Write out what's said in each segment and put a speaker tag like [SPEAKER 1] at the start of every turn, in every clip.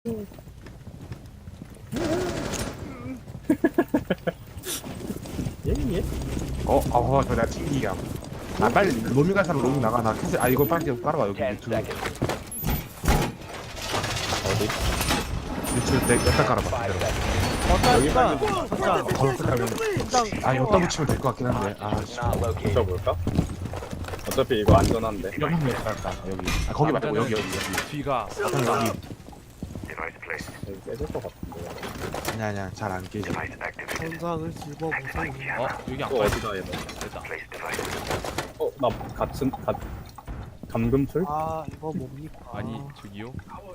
[SPEAKER 1] 예?
[SPEAKER 2] 저 내가 튕기야. 아, 빨리 로밍 갈 사람 로밍 나가. 나 캐슬. 아, 이거 빨리 깔아봐. 여기
[SPEAKER 3] 10
[SPEAKER 2] 유튜브.
[SPEAKER 3] seconds.
[SPEAKER 2] 유튜브 내 여기다 깔아봐.
[SPEAKER 3] 5
[SPEAKER 2] 그대로.
[SPEAKER 3] seconds.
[SPEAKER 1] 어따 진짜
[SPEAKER 2] 검색하면. 아, 여기다 붙이면 될 것 같긴 한데. 아, 씨.
[SPEAKER 3] Not located.
[SPEAKER 1] 붙여볼까? 어차피 이거 안전한데.
[SPEAKER 2] 여기 한명 깔까? 여기. 아, 거기 말고 여기.
[SPEAKER 4] 뒤가
[SPEAKER 2] 여기.
[SPEAKER 1] 여기 깨질 것 같은데.
[SPEAKER 2] 아니야. 잘 안 깨져.
[SPEAKER 5] 현장을 집어보세요.
[SPEAKER 4] 여기 안
[SPEAKER 1] 또
[SPEAKER 4] 빠져.
[SPEAKER 1] 어디다 얘도.
[SPEAKER 4] 됐다.
[SPEAKER 1] 나 감금틀?
[SPEAKER 5] 아 이거 뭡니까?
[SPEAKER 4] 아니 저기요.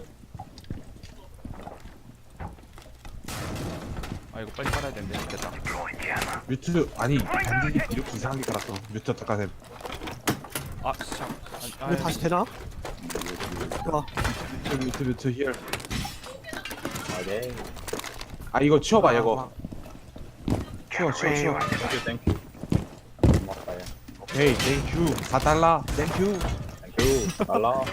[SPEAKER 4] 아 이거 빨리 깔아야 되는데. 됐다.
[SPEAKER 2] 뮤트 아니 단지 이렇게 이상하게 깔았어. 뮤트 어떡하 셈.
[SPEAKER 4] 아 참.
[SPEAKER 5] 이거 다시 되나? 와
[SPEAKER 2] 뮤트 히얼.
[SPEAKER 1] 오케이.
[SPEAKER 2] 아, 이거 치워봐 이거. 치워.
[SPEAKER 1] 땡큐 땡큐. 고맙다 얘.
[SPEAKER 2] 오케이, 땡큐. 4달러. 땡큐.
[SPEAKER 1] 땡큐. 달라. 야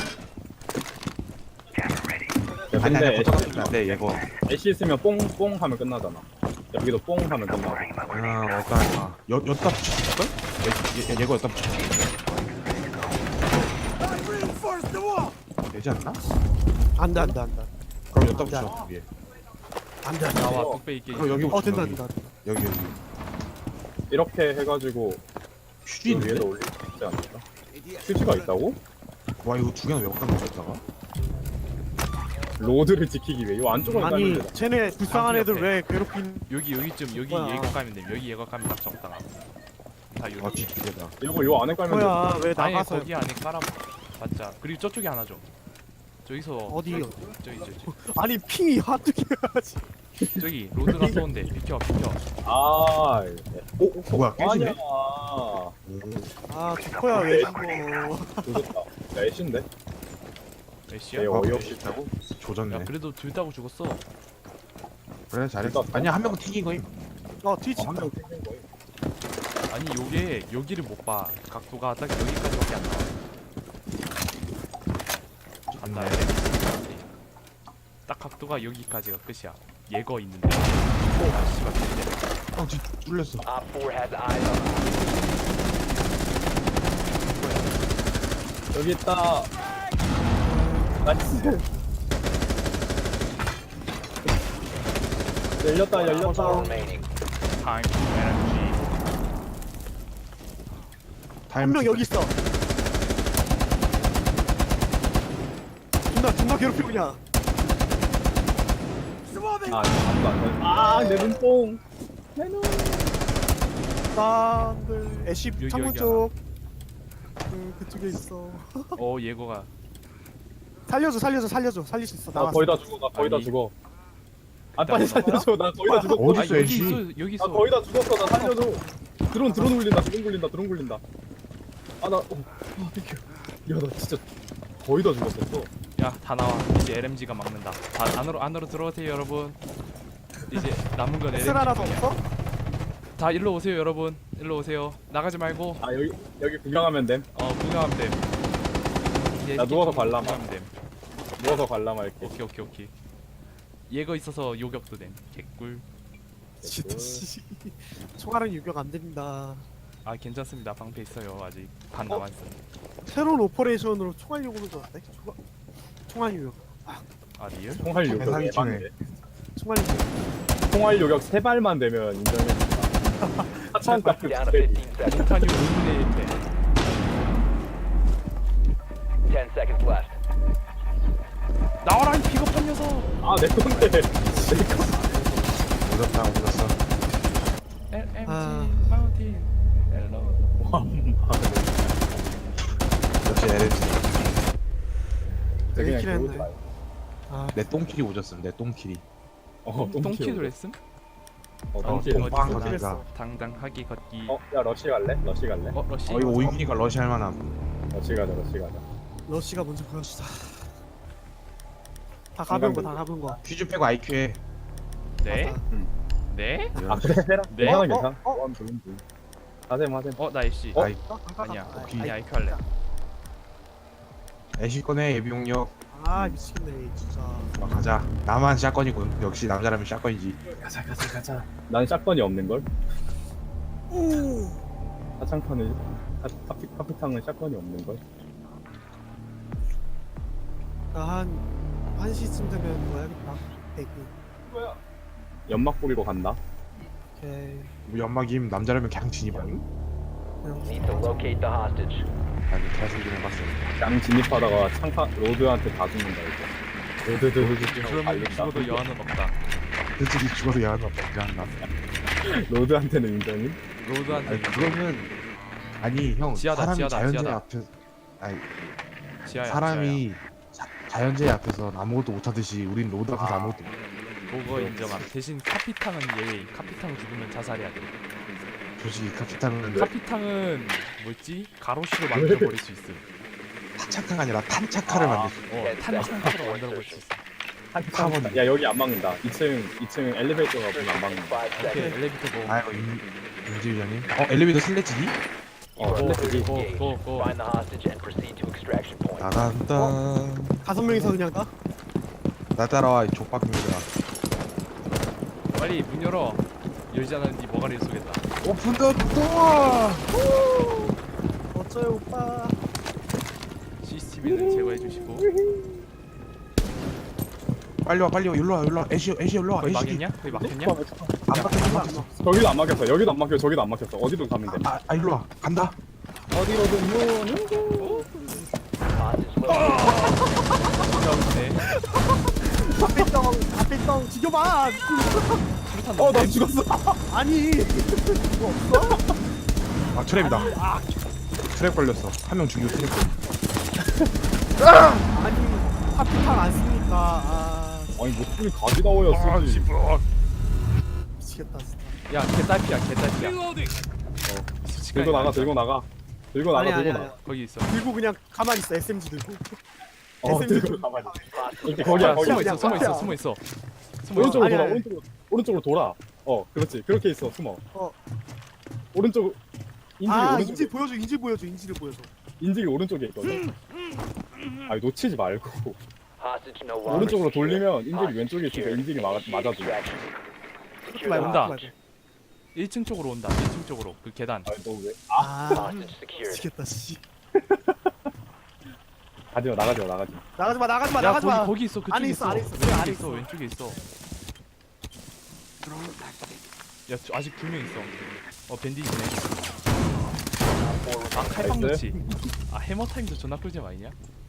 [SPEAKER 2] 아니
[SPEAKER 1] 근데
[SPEAKER 2] 똑같은데 안 돼, 이거.
[SPEAKER 1] 애쉬 있으면 뽕뽕 하면 끝나잖아. 여기도 뽕 하면 끝나고.
[SPEAKER 2] 어떡할까. 여기다 붙였을걸? 얘거 여기다 붙였을걸? 되지 않나?
[SPEAKER 5] 안돼
[SPEAKER 2] 그럼 여기다 붙여, 위에.
[SPEAKER 5] 안돼
[SPEAKER 4] 나와 뚝배기 깨기.
[SPEAKER 2] 그럼 여기 붙여,
[SPEAKER 5] 된다
[SPEAKER 2] 여기.
[SPEAKER 5] 된다
[SPEAKER 2] 여기.
[SPEAKER 1] 이렇게 해가지고
[SPEAKER 2] 휴지
[SPEAKER 1] 이
[SPEAKER 2] 있는데?
[SPEAKER 1] 위에다 올릴 수 있지 않을까? 휴지가 있다고?
[SPEAKER 2] 와, 이거 두 개는 왜 갖다 놓쳤다가?
[SPEAKER 1] 로드를 지키기 위해 이 안쪽으로
[SPEAKER 5] 아니
[SPEAKER 1] 깔면 되잖아.
[SPEAKER 5] 쟤네 불쌍한 애들 왜 괴롭힌
[SPEAKER 4] 여기쯤 여기
[SPEAKER 5] 뭐야.
[SPEAKER 4] 예거 까면 돼. 여기 예거 까면 딱 적당하. 다 여기.
[SPEAKER 2] 아, 뒤두 개다.
[SPEAKER 1] 이거 요 안에 깔면 돼.
[SPEAKER 5] 거야 왜
[SPEAKER 4] 아니
[SPEAKER 5] 나가서
[SPEAKER 4] 거기 안에 깔아. 맞자. 그리고 저쪽에 하나 줘. 저기서
[SPEAKER 5] 어디요?
[SPEAKER 4] 저기.
[SPEAKER 5] 아니 핑이 하트게 해야지
[SPEAKER 4] 저기 로드가 쏘는데 비켜.
[SPEAKER 1] 아,
[SPEAKER 2] 뭐야, 깨지네?
[SPEAKER 1] 아니야.
[SPEAKER 5] 아 조커야 왜 죽어
[SPEAKER 1] 조졌다. 야, 애쉬인데?
[SPEAKER 4] 애쉬야?
[SPEAKER 1] 얘
[SPEAKER 2] 아,
[SPEAKER 1] 어이없이
[SPEAKER 2] 있다고? 조졌네.
[SPEAKER 4] 야 그래도 둘 따고 죽었어.
[SPEAKER 2] 그래, 잘했어. 아니야, 한 명은 튀긴 거임.
[SPEAKER 5] 트위치
[SPEAKER 1] 한명 튕긴 거야.
[SPEAKER 4] 아니 요게 여기를 못 봐. 각도가 딱 여기까지밖에 안 나와. 간다. 딱 각도가 여기까지가 끝이야. 예거 있는데. 아 씨발 근데
[SPEAKER 2] 뒤 뚫렸어.
[SPEAKER 3] Op 4 has eyes on
[SPEAKER 1] 여기 있다. 나이스. 열렸다.
[SPEAKER 3] remaining.
[SPEAKER 4] 타임 에너지.
[SPEAKER 5] 한 명 여기 있어 존나 괴롭히고 그냥
[SPEAKER 1] 아무도 안 돼. 아, 내 눈뽕. 내 눈.
[SPEAKER 5] 딴들 애쉬
[SPEAKER 4] 여기,
[SPEAKER 5] 창문
[SPEAKER 4] 여기
[SPEAKER 5] 쪽 그쪽에 있어
[SPEAKER 4] 예거가
[SPEAKER 5] 살릴 수 있어
[SPEAKER 1] 나
[SPEAKER 5] 나왔어
[SPEAKER 1] 거의 다 죽어. 나 거의 다
[SPEAKER 4] 아니.
[SPEAKER 1] 죽어. 아, 빨리 살려줘. 나 거의 다 죽었어.
[SPEAKER 2] 어디
[SPEAKER 4] 아
[SPEAKER 2] 있어,
[SPEAKER 4] 여기
[SPEAKER 2] 애쉬?
[SPEAKER 4] 있어 여기
[SPEAKER 1] 나
[SPEAKER 4] 있어.
[SPEAKER 1] 거의 다 죽었어. 나 살려줘. 드론 굴린다. 아, 나 비켜. 야, 나 진짜 거의 다 죽었었어.
[SPEAKER 4] 야 다 나와. 이제 LMG가 막는다. 다 안으로 들어오세요 여러분. 이제 남은 건
[SPEAKER 5] 엑셀 하나 더
[SPEAKER 4] LMG.
[SPEAKER 5] 없어?
[SPEAKER 4] 다 일로 오세요 여러분. 일로 오세요. 나가지 말고
[SPEAKER 1] 아, 여기 구경하면 됨.
[SPEAKER 4] 구경하면 됨. 이제
[SPEAKER 1] 나 누워서
[SPEAKER 4] 좀
[SPEAKER 1] 관람.
[SPEAKER 4] 구경하면 됨.
[SPEAKER 1] 누워서 관람할게.
[SPEAKER 4] 오케이. 예거 있어서 요격도 됨. 개꿀.
[SPEAKER 5] 진짜 씨 총알은 유격 안 됩니다
[SPEAKER 4] 아 괜찮습니다. 방패 있어요. 아직 반 남았어.
[SPEAKER 5] 새로운 오퍼레이션으로 총알 요구는 좋았대 총알 유격
[SPEAKER 4] 아 리얼?
[SPEAKER 1] 총알 요격
[SPEAKER 2] 사기 치네.
[SPEAKER 1] 에반데.
[SPEAKER 5] 총알 유격
[SPEAKER 1] 총알 요격 3발만 되면 인정해준다. 하찮다.
[SPEAKER 3] Down to 15 seconds.
[SPEAKER 4] 폭탄이 5분의 1대.
[SPEAKER 3] 10 seconds left.
[SPEAKER 4] 나와라 이 비겁한 녀석.
[SPEAKER 1] 아, 내 건데.
[SPEAKER 2] 오졌어.
[SPEAKER 4] LMG
[SPEAKER 5] 아.
[SPEAKER 4] 마운틴. 헬로.
[SPEAKER 2] 역시 LG.
[SPEAKER 5] 되게
[SPEAKER 1] 그냥
[SPEAKER 5] 킬했네.
[SPEAKER 1] 그거지 마요.
[SPEAKER 5] 아
[SPEAKER 2] 내 똥킬이 오졌음, 내 똥킬이.
[SPEAKER 4] 똥키도 했음?
[SPEAKER 1] 똥킬.
[SPEAKER 4] 어디
[SPEAKER 2] 빵
[SPEAKER 4] 있구나.
[SPEAKER 2] 거기가.
[SPEAKER 4] 당당하게 걷기.
[SPEAKER 1] 야, 러시 갈래? 러시 갈래?
[SPEAKER 4] 러시.
[SPEAKER 2] 이거 오이기니까 러시 할 만함.
[SPEAKER 1] 러시 가자.
[SPEAKER 5] 러시가 먼저 보여주자 다 가본 거
[SPEAKER 2] 퀴즈 빼고 IQ 해.
[SPEAKER 4] 네?
[SPEAKER 5] 맞아.
[SPEAKER 4] 네?
[SPEAKER 1] 아, 그래, 해라.
[SPEAKER 4] 네?
[SPEAKER 1] 괜찮아. 하셈.
[SPEAKER 4] 나 애쉬.
[SPEAKER 2] 아이,
[SPEAKER 4] 아니야.
[SPEAKER 5] 아,
[SPEAKER 4] 그냥 IQ 할래.
[SPEAKER 2] 애쉬 꺼내, 예비용력.
[SPEAKER 5] 아 미치겠네 진짜.
[SPEAKER 2] 가자. 나만 샷건이군. 역시 남자라면 샷건이지.
[SPEAKER 1] 가자. 난 샷건이 없는 걸. 사창판은 카피탕은 샷건이 없는 걸.
[SPEAKER 5] 나한 시쯤 되면 뭐야겠다. 대기.
[SPEAKER 1] 연막 뿌리러 간다.
[SPEAKER 5] 오케이.
[SPEAKER 2] 우리 연막임 남자라면 그냥 진입하니?
[SPEAKER 3] Need to locate the hostage.
[SPEAKER 2] 아니 개소리긴 해봤어.
[SPEAKER 1] 양 진입하다가 창파 로드한테 다 죽는다 이제. 로드
[SPEAKER 4] 그러면 죽어도 여한은 없다.
[SPEAKER 2] 솔직히 죽어도 야한 없다. 미안하다.
[SPEAKER 1] 로드한테는 인정이?
[SPEAKER 4] 로드한테
[SPEAKER 2] 아니 그거는 아니 형
[SPEAKER 4] 지하다,
[SPEAKER 2] 사람이
[SPEAKER 4] 지하다,
[SPEAKER 2] 자연재해
[SPEAKER 4] 지하다.
[SPEAKER 2] 앞에 아니
[SPEAKER 4] 지하야.
[SPEAKER 2] 사람이 자연재해 앞에서 아무것도 못하듯이 우린 로드 앞에서 아무것도 못.
[SPEAKER 4] 그거 인정함. 대신 카피탕은 예외. 카피탕 죽으면 자살해야 돼.
[SPEAKER 2] 솔직히 카피탕은
[SPEAKER 4] 카피탕은 뭐였지? 가로수로 만들어버릴 수 있음.
[SPEAKER 2] 타차카가 아니라 탄차카를 만들 수
[SPEAKER 4] 탄창으로 만들어버릴 수 있어.
[SPEAKER 1] 한타원. 야 여기 안 막는다. 2층 엘리베이터가 보면 안 막는다.
[SPEAKER 3] 5
[SPEAKER 4] 오케이
[SPEAKER 3] seconds.
[SPEAKER 4] 엘리베이터 고.
[SPEAKER 2] 아이고 임지위원님 엘리베이터 슬래지기?
[SPEAKER 1] 슬래지기.
[SPEAKER 4] 고.
[SPEAKER 3] Find the hostage and proceed to extraction point.
[SPEAKER 2] 나간다
[SPEAKER 5] 5명이서 그냥 가?
[SPEAKER 2] 나 따라와 이 족박입니다.
[SPEAKER 4] 빨리 문 열어. 열지 않으면 네 머가리를 쏘겠다.
[SPEAKER 2] 오픈 더 도어.
[SPEAKER 5] 어쩌요 오빠.
[SPEAKER 4] CCTV는 제거해 주시고.
[SPEAKER 2] 빨리 와 일로 와 애쉬 일로 와
[SPEAKER 4] 거의
[SPEAKER 2] 애쉬.
[SPEAKER 4] 막혔냐? 거의 막혔냐?
[SPEAKER 2] 안 막혔어.
[SPEAKER 1] 저기도 안 막혔어. 여기도 안 막혀. 저기도 안 막혔어. 어디로 가면 돼?
[SPEAKER 2] 일로 와 간다.
[SPEAKER 1] 어디로든요.
[SPEAKER 3] Hostage located.
[SPEAKER 4] 진짜 없네.
[SPEAKER 5] 앞에 죽여봐.
[SPEAKER 4] 수류탄
[SPEAKER 1] 나
[SPEAKER 4] 넣네.
[SPEAKER 1] 죽었어.
[SPEAKER 5] 아니 이거 없어?
[SPEAKER 2] 아 트랩이다. 트랩 걸렸어. 한 명 죽이고 트랩 걸렸어.
[SPEAKER 5] 아니 카피탕 안 쓰니까
[SPEAKER 1] 아니 목소리 가지 나와야 쓰지.
[SPEAKER 5] 미치겠다 진짜.
[SPEAKER 4] 야 개딸피야 개딸피야.
[SPEAKER 1] 들고 나가. 들고 나가.
[SPEAKER 4] 거기 있어.
[SPEAKER 5] 들고 그냥 가만히 있어 SMG 들고.
[SPEAKER 1] 들고 가만히. 이렇게
[SPEAKER 4] 거기야
[SPEAKER 1] 거기야.
[SPEAKER 4] 숨어 있어.
[SPEAKER 1] 오른쪽으로
[SPEAKER 5] 아니,
[SPEAKER 1] 돌아.
[SPEAKER 5] 아니.
[SPEAKER 1] 오른쪽으로 돌아. 그렇지. 그렇게 있어. 숨어. 오른쪽.
[SPEAKER 5] 인질 보여줘 인질을 보여줘.
[SPEAKER 1] 인질이 오른쪽에 있거든. 아니 놓치지 말고.
[SPEAKER 3] Hostage no longer
[SPEAKER 1] 오른쪽으로
[SPEAKER 3] secure.
[SPEAKER 1] 돌리면 인질이
[SPEAKER 3] Hostage
[SPEAKER 1] 왼쪽에 있으니까
[SPEAKER 3] secured.
[SPEAKER 1] 인질이 맞아줘.
[SPEAKER 3] Extraction.
[SPEAKER 5] 그렇게 말고
[SPEAKER 4] 온다.
[SPEAKER 5] 그렇게 말고.
[SPEAKER 4] 1층 쪽으로 온다. 1층 쪽으로 그 계단.
[SPEAKER 1] 아니 너 왜?
[SPEAKER 3] Hostage secured.
[SPEAKER 5] 미치겠다 씨.
[SPEAKER 1] 가지마 나가지마.
[SPEAKER 4] 야 거기 있어. 그쪽에
[SPEAKER 5] 안에 있어, 안에 있어.
[SPEAKER 4] 왼쪽에
[SPEAKER 5] 안에
[SPEAKER 4] 있어.
[SPEAKER 5] 있어.
[SPEAKER 4] 왼쪽에 있어. 야 아직 2명 있어. 밴디지네. 아 칼빵
[SPEAKER 1] 나이스.
[SPEAKER 4] 넣지. 아 해머 타임도 존나 꿀잼 아니냐?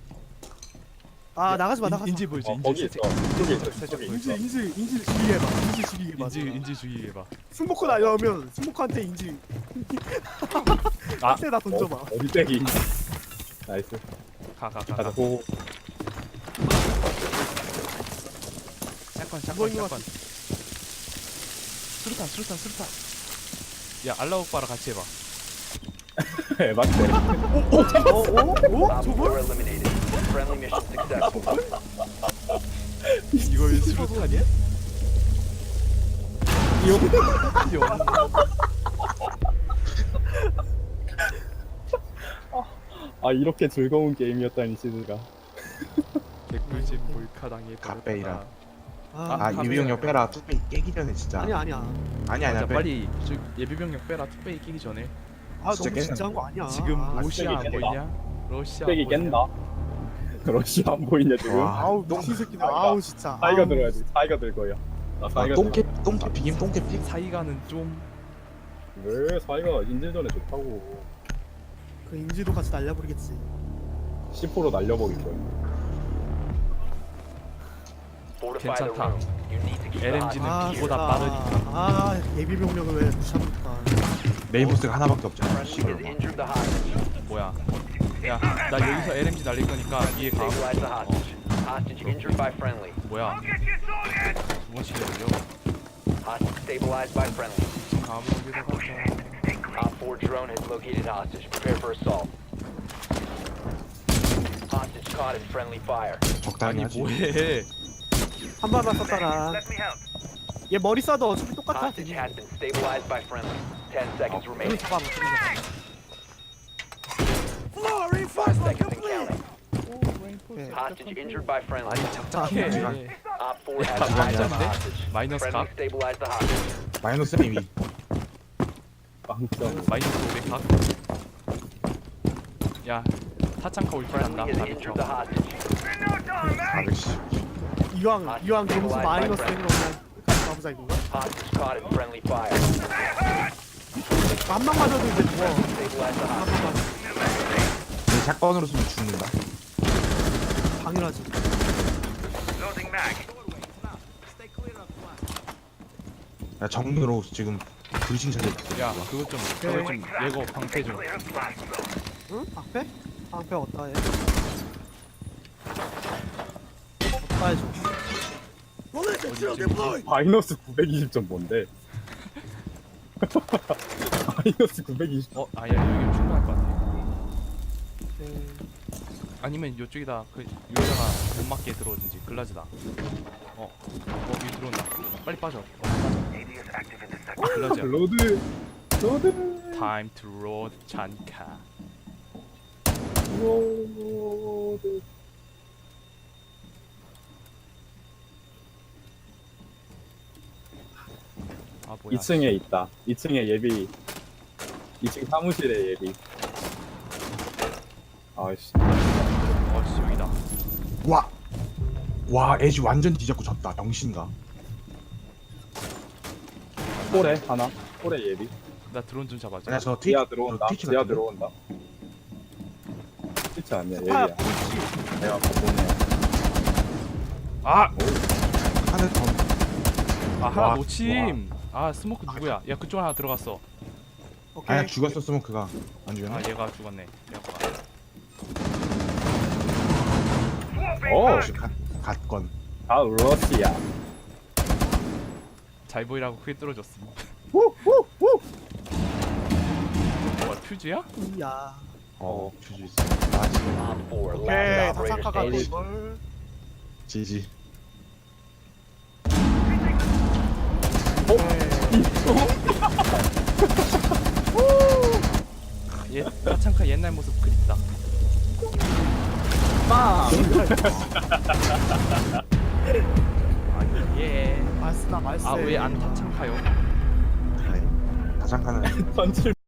[SPEAKER 5] 나가지 마.
[SPEAKER 4] 인지 보이지?
[SPEAKER 1] 거기 있어. 이쪽에 있어.
[SPEAKER 4] 살짝
[SPEAKER 1] 저기
[SPEAKER 4] 보이지?
[SPEAKER 1] 있어.
[SPEAKER 5] 인질 죽이게 해봐. 인질 죽이게 해봐.
[SPEAKER 4] 인지 죽이게 해봐.
[SPEAKER 5] 승복권 알려면 승복권한테 인질.
[SPEAKER 4] 아.
[SPEAKER 5] 한테 나 던져봐.
[SPEAKER 1] 어디 떼기. 나이스.
[SPEAKER 4] 가가
[SPEAKER 1] 가자 고.
[SPEAKER 4] 샷건
[SPEAKER 5] 뭐 있는 것
[SPEAKER 4] 수류탄. 야 알라옥바랑 같이 해봐.
[SPEAKER 1] 맞대.
[SPEAKER 3] Op 4
[SPEAKER 5] 저걸?
[SPEAKER 3] eliminated. Friendly mission successful.
[SPEAKER 4] 이거 왜 수류탄이야?
[SPEAKER 1] 아 이렇게 즐거운 게임이었다니 시즈가.
[SPEAKER 4] 개꿀잼 몰카당해.
[SPEAKER 2] 갓베이라.
[SPEAKER 5] 아,
[SPEAKER 2] 아 유비용력 빼라. 뚝배기 깨기 전에 진짜.
[SPEAKER 5] 아니야.
[SPEAKER 4] 맞아
[SPEAKER 2] 빼.
[SPEAKER 4] 빨리 저 예비병력 빼라. 뚝배기 끼기 전에.
[SPEAKER 5] 아
[SPEAKER 2] 진짜
[SPEAKER 5] 너무
[SPEAKER 2] 깨-
[SPEAKER 5] 진지한 거 아니야.
[SPEAKER 4] 지금 러시아 안
[SPEAKER 1] 뚝배기
[SPEAKER 4] 보이냐? 러시아 안
[SPEAKER 1] 떼기
[SPEAKER 4] 보이냐?
[SPEAKER 1] 깬다. 러시아 안 보이냐 지금?
[SPEAKER 2] 와.
[SPEAKER 5] 아우 미친 새끼들.
[SPEAKER 1] 아이가.
[SPEAKER 5] 아우 진짜.
[SPEAKER 1] 사이가
[SPEAKER 5] 아우.
[SPEAKER 1] 들어야지. 사이가 들 거야. 나 사이가
[SPEAKER 2] 똥개 비김 똥개 피.
[SPEAKER 4] 사이가는 좀
[SPEAKER 1] 왜 사이가 인질전에 좋다고.
[SPEAKER 5] 그 인질도 같이 날려버리겠지.
[SPEAKER 1] C4로 날려버릴 거야.
[SPEAKER 3] Fortify the
[SPEAKER 4] 괜찮다.
[SPEAKER 3] room. You need to keep the
[SPEAKER 4] LMG 는
[SPEAKER 3] hostage
[SPEAKER 4] 기보다
[SPEAKER 3] secured.
[SPEAKER 4] 빠르니까.
[SPEAKER 5] 예비 병력을 왜 무시합니까?
[SPEAKER 2] 메인 보스가 하나밖에 없잖아.
[SPEAKER 3] Friendly
[SPEAKER 2] 씨발.
[SPEAKER 3] has injured the hostage.
[SPEAKER 4] 뭐야? 야 나 여기서 LMG 날릴 거니까 위에 가.
[SPEAKER 3] Stabilize the hostage. Hostage injured by friendly.
[SPEAKER 4] 뭐야? 두 번씩 열려.
[SPEAKER 3] Hostage stabilized by friendly.
[SPEAKER 4] 감옥에다 가자.
[SPEAKER 3] Op 4 drone has located hostage. Prepare for assault. Hostage caught in friendly fire.
[SPEAKER 2] 적당히
[SPEAKER 4] 아니
[SPEAKER 2] 하지.
[SPEAKER 4] 뭐해?
[SPEAKER 5] 한 발만 쐈다가. 얘 머리 쏴도 어차피 똑같아.
[SPEAKER 3] Hostage has been stabilized by friendly. 10 seconds
[SPEAKER 5] 우리
[SPEAKER 3] remaining.
[SPEAKER 5] 잡아봐.
[SPEAKER 3] 5 seconds and counting. Hostage injured by friendly.
[SPEAKER 4] 아니 작작해.
[SPEAKER 3] Op 4 has
[SPEAKER 2] 아,
[SPEAKER 3] located the
[SPEAKER 4] 맞았네?
[SPEAKER 3] hostage.
[SPEAKER 4] 마이너스
[SPEAKER 3] Friendly
[SPEAKER 4] 각.
[SPEAKER 3] stabilize the hostage.
[SPEAKER 2] 마이너스 이미.
[SPEAKER 1] 빵점.
[SPEAKER 4] 마이너스 500각. 야 타창카 올킬 한다.
[SPEAKER 3] Friendly has injured the hostage.
[SPEAKER 2] 410.
[SPEAKER 5] 이왕 점수 마이너스 되는 거 그냥 끝까지 가보자 이건가?
[SPEAKER 3] Hostage caught in friendly fire.
[SPEAKER 5] 한방 맞아도 이제 죽어.
[SPEAKER 3] Stabilize the hostage.
[SPEAKER 5] 한방 맞아.
[SPEAKER 2] 내 샷건으로 쓰면 죽는다.
[SPEAKER 5] 당연하지.
[SPEAKER 2] 야 정리로 지금 불신 차려.
[SPEAKER 4] 야 그것 좀 예고 방패 좀.
[SPEAKER 5] 응? 방패? 방패 어디다 해? 어디다 해줘?
[SPEAKER 1] 마이너스 920점 뭔데? 마이너스 920.
[SPEAKER 4] 아야 여기 충분할 것 같아.
[SPEAKER 5] 네.
[SPEAKER 4] 아니면 이쪽이다. 그 유저가 못 맞게 들어오든지 글라즈다. 여기 들어온다. 빨리 빠져. 글라즈야.
[SPEAKER 1] 로드.
[SPEAKER 4] Time to load 잔카.
[SPEAKER 1] 로드.
[SPEAKER 4] 아 뭐야?
[SPEAKER 1] 2층에 있다. 2층에 예비. 2층 사무실에 예비. 아이씨.
[SPEAKER 4] 어씨 여기다.
[SPEAKER 2] 와. 와 에지 완전 뒤잡고 졌다. 병신가.
[SPEAKER 1] 홀에 하나. 홀에 예비.
[SPEAKER 4] 나 드론 좀 잡아줘.
[SPEAKER 2] 아니야 저
[SPEAKER 1] 지하 들어온다.
[SPEAKER 2] 트위치
[SPEAKER 1] 지하
[SPEAKER 2] 같은데?
[SPEAKER 1] 들어온다. 트위치 아니야.
[SPEAKER 5] 아,
[SPEAKER 1] 예비야. 내가 보내.
[SPEAKER 4] 아!
[SPEAKER 2] 하늘 더.
[SPEAKER 4] 하나
[SPEAKER 2] 와,
[SPEAKER 4] 놓침. 스모크 누구야? 야 그쪽 하나 들어갔어.
[SPEAKER 5] 오케이.
[SPEAKER 2] 아니야 죽었었으면 그가 안 죽였나?
[SPEAKER 4] 얘가 죽었네. 얘가.
[SPEAKER 2] 역시 갓건.
[SPEAKER 1] 다 러시아.
[SPEAKER 4] 잘 보이라고 크게 뚫어줬음.
[SPEAKER 1] 후후후.
[SPEAKER 4] 뭐야 퓨즈야?
[SPEAKER 5] 이야.
[SPEAKER 2] 주주 있어. 아 지금
[SPEAKER 3] Op 4
[SPEAKER 5] 오케이.
[SPEAKER 3] last operator
[SPEAKER 5] 다사카가 또
[SPEAKER 3] standing.
[SPEAKER 5] 이걸.
[SPEAKER 2] 지지.
[SPEAKER 4] 얘 타창카 옛날 모습 그립다.
[SPEAKER 1] 빵.
[SPEAKER 4] 예.
[SPEAKER 5] 말쓰다 말쓰.
[SPEAKER 4] 왜 안 타창카요?
[SPEAKER 2] 다장가는
[SPEAKER 1] 던질